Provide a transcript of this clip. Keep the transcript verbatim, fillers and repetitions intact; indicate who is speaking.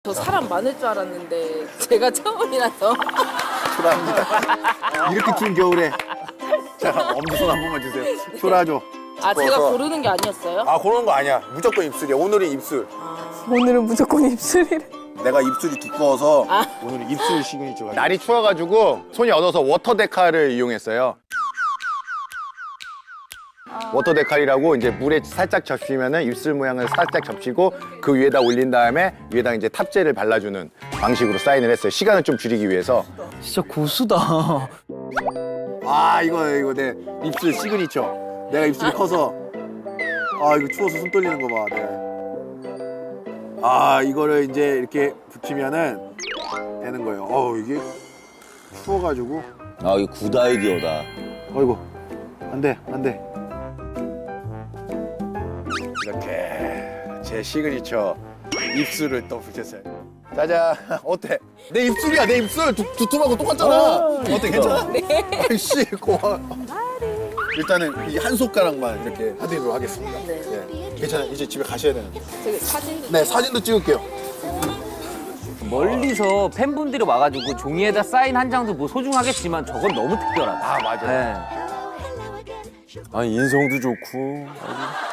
Speaker 1: 저 사람 많을 줄 알았는데 제가 처음이라서.
Speaker 2: 초라합니다. 이렇게 추운 겨울에. 자, 엄지손 한 번만 주세요. 초라하죠?
Speaker 1: 아, 제가 고르는 게 아니었어요?
Speaker 2: 아, 고르는 거 아니야. 무조건 입술이야. 오늘은 입술.
Speaker 3: 오늘은 무조건 입술이래.
Speaker 2: 내가 입술이 두꺼워서 오늘은 입술 시그니처.
Speaker 4: 날이 추워가지고 손이 얼어서 워터데칼을 이용했어요. 워터데칼이라고 이제 물에 살짝 적시면은 입술 모양을 살짝 접시고 그 위에다 올린 다음에 위에다 이제 탑재를 발라주는 방식으로 사인을 했어요. 시간을 좀 줄이기 위해서.
Speaker 5: 진짜 고수다.
Speaker 2: 아, 이거 이거 내 입술 시그니처. 내가 입술이 커서 아, 이거 추워서 손 떨리는 거 봐. 네. 아, 이거를 이제 이렇게 붙이면은 되는 거예요. 어, 이게 추워가지고.
Speaker 6: 아, 이거 굿 아이디어다.
Speaker 2: 어이구, 안 돼, 안 돼. 이렇게 제 시그니처 입술을 또 붙였어요. 짜잔, 어때? 내 입술이야, 내 입술. 두, 두툼하고 똑같잖아. 어때, 괜찮아? 네. 아이씨, 고마워. 일단은 이 한 손가락만 이렇게 하드로 하겠습니다.
Speaker 1: 네.
Speaker 2: 네. 괜찮아, 이제 집에 가셔야 되는데.
Speaker 1: 저기 사진도.
Speaker 2: 네, 사진도 찍을게요.
Speaker 5: 멀리서 팬분들이 와가지고 종이에다 사인 한 장도 뭐 소중하겠지만 저건 너무 특별하다.
Speaker 4: 아, 맞아요.
Speaker 5: 네.
Speaker 6: 아니, 인성도 좋고. 아주.